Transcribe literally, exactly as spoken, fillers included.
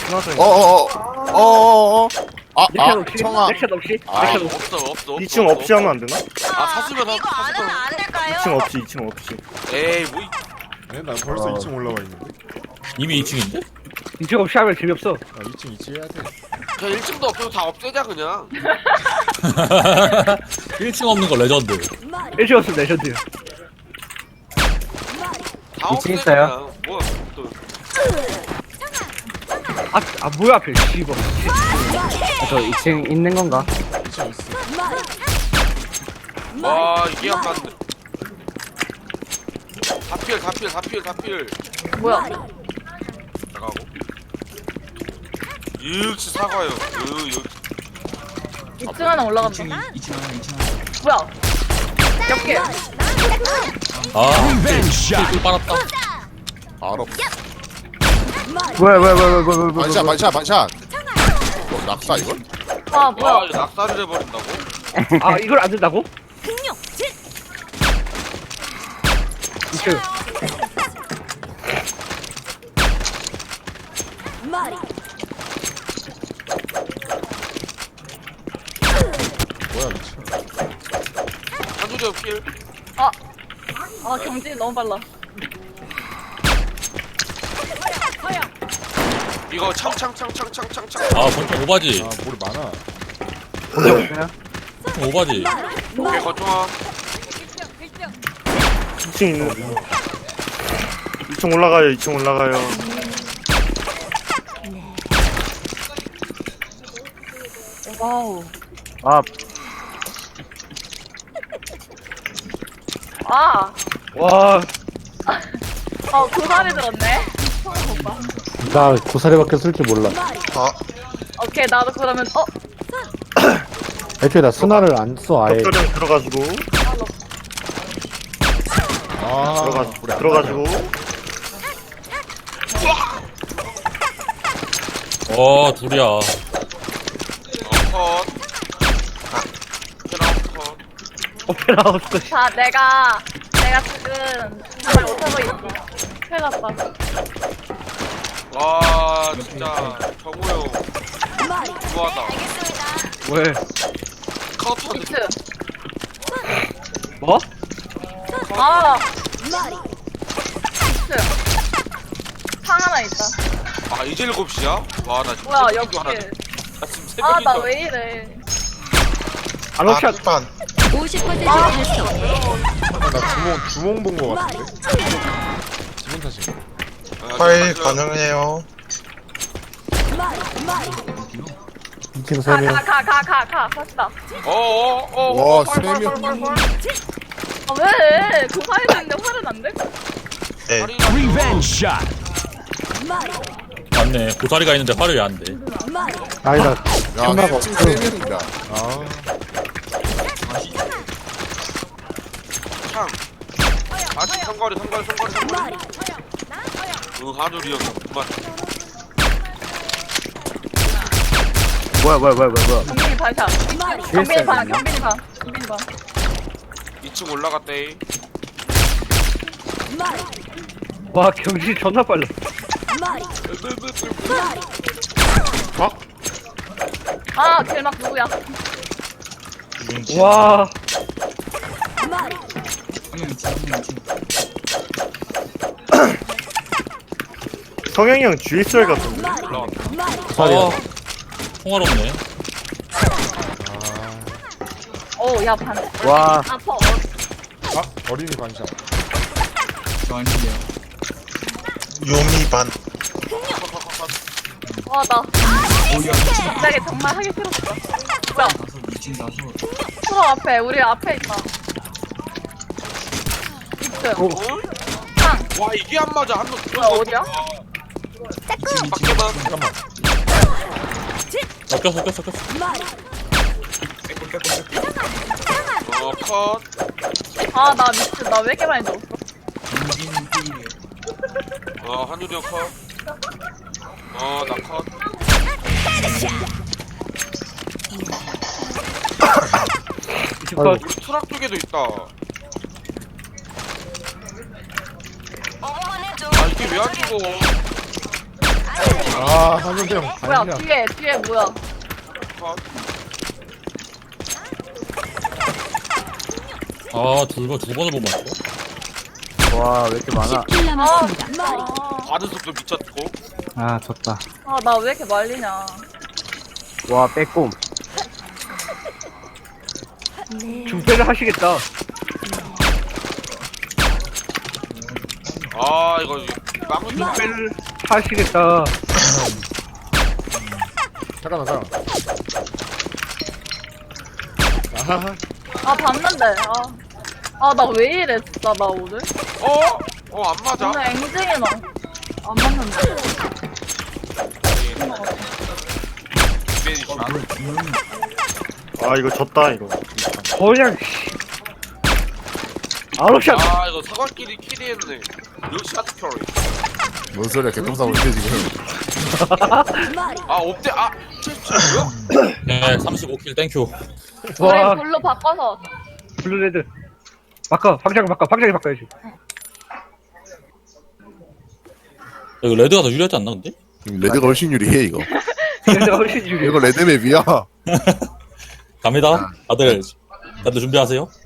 스나전. 어어어어어어 아, 넥샷 아, 없이? 청아. 넥샷 없이? 아, 넥샷 없이? 없어 없어 없어. 이 층 없이 하면 안 되나? 아 사수면 하- 이거 안 하면 안 될까요? 이 층 없이, 이 층 없이. 에이 뭐 이- 네, 난 벌써 이 층 올라와 있는데. 이미 이 층인데? 이쪽 없이 하면 재미없어. 아, 이 층, 이 층 해야 돼. 그냥 일 층도 없어도 다 없애자 그냥. 일 층 없는 거 레전드. 일찍 없으면 레전드야. 다 이 층 없애자 있어요? 그냥. 뭐 또. 아, 아 뭐야 앞에 씨발. 저 이 층 있는 건가? 이 층 있어. 와 이게 안 맞네. 다필 다필 다필 다필. 뭐야? 나가고. 역시 사과요. 으 역. 이 층 하나 올라간다. 뭐야? 옆에. 아, 꿀 빨았다. 알아. 왜, 왜, 왜, 왜, 왜, 왜, 왜, 반샷, 반샷, 반샷. 어, 낙사, 이걸? 아 와 뭐야? 이거 낙사를 해버린다고? 아 이걸 안 된다고? 이쪽. 뭐야, 미친. 한두리 필. 아, 아 경진이 너무 빨라. 이거 창창창창창창창. 아, 권총 오바지. 아, 뭘 많아. 권총 오바지. 오케이 거쳐와. 이 층 있는. 이 층 올라가요, 이 층 올라가요. 와우. 아, 아, 와. 어 고사리 들었네. 오빠. 나 고사리밖에 쓸 줄 몰라. 아, 오케이 나도 그러면 어 애초에 나 스나를 안 써, 아예. 벽돌형 들어가지고, 아, 들어가, 우리 안 들어가지고. 어, 둘이야. 어 컷. 캐나운 컷. 오페라 하우스. 자 내가 내가 지금 정말 못하고 있어. 큰일 났다. 와 진짜 정우형 좋아하다. 왜? 카운터 비트. 뭐? 아. 비트. 상 하나 있다. 아 이제 일곱 시야? 와나 지금 뭐야 새벽인 줄 옆에. 알았네. 나 지금 새벽인 아 줄 나 알았네. 왜 이래? 안옥샷. 판. 오십 퍼센트 달성. 나 주몽, 주몽 본 거 같은데? 기분 탓인가? 아, 파일 지금 가능해요. 이 층 세 명. 가 가 가 가 가 갑시다. 어어어 와, 세 명. 아 왜? 고사리 들는데 화는 안 돼? 네. 맞네. 고사리가 있는데 화를 왜 안 돼? 아니다. 야, 천마가 이 층 없어. 세 명이다. 아, 창 아직 성거리 성거리 성거리 성거리 응 한우리 형 그만. 뭐야, 뭐야, 뭐야, 뭐야, 뭐야. 경빈이 반샷. 경빈이 반 경빈이 반 경빈이 반. 이 층 올라갔대. 와 경진 존나 빨라. 아 길막 누구야? 와. 성형이 형 지에스알 같은데. 올라갔다. 고사리야. 어, 통화롭네. 어야 반. 와. 아퍼. 아, 어린이 반샷. 요미 반. 와나 갑자기 정말 하기 싫었어. 뭐야? 프로 앞에 우리 앞에 있다. 비트. 어? 상. 와 이게 안 맞아 한번 뭐야 어디야? 밖에만. 잠깐만. 어, 꼈어, 꼈어, 꼈어. 어 컷. 아 나 미스 나 왜 이렇게 많이 넣었어? 어 한우리 형 컷. 어나 컷. 이쪽 우리 트럭 쪽에도 있다. 아 이게 왜 안 죽어? 아, 와, 한현대 형 뭐야 다행이야. 뒤에 뒤에 뭐야? 컷. 아, 둘, 두 번을 못 맞춰? 와, 왜 이렇게 많아? 십 킬 남았습니다. 아, 받은 속도 미쳤고. 아, 졌다. 아, 나 왜 이렇게 말리냐? 와, 빼꼼. 중패를 하시겠다. 아 이거 막을 수 중패를 하시겠다. 잠깐만, 잠깐만. 아하, 아 봤는데. 아, 아 나 왜 이래 진짜 나 오늘? 어? 어 안 맞아? 오늘 앵징이 나. 안 맞는데. 이벤이 아 이거 졌다 이거. 그냥, 씨. 아웃샷! 아 이거 사과끼리 키리했네. 역시 하트캐리. 뭔 소리야, 개똥싸고 있지, 지금. 아 업데 아 칠십칠이요? 네, 삼십오 킬 땡큐. 와, 우리 불로 바꿔서. 블루레드. 바꿔, 방장 바꿔, 방장이 바꿔야지. 이거 레드가 더 유리하지 않나, 근데? 레드가 훨씬 유리해, 이거. 레드가 훨씬 유리해. 이거 레드맵이야. 갑니다. 다들, 다들 준비하세요.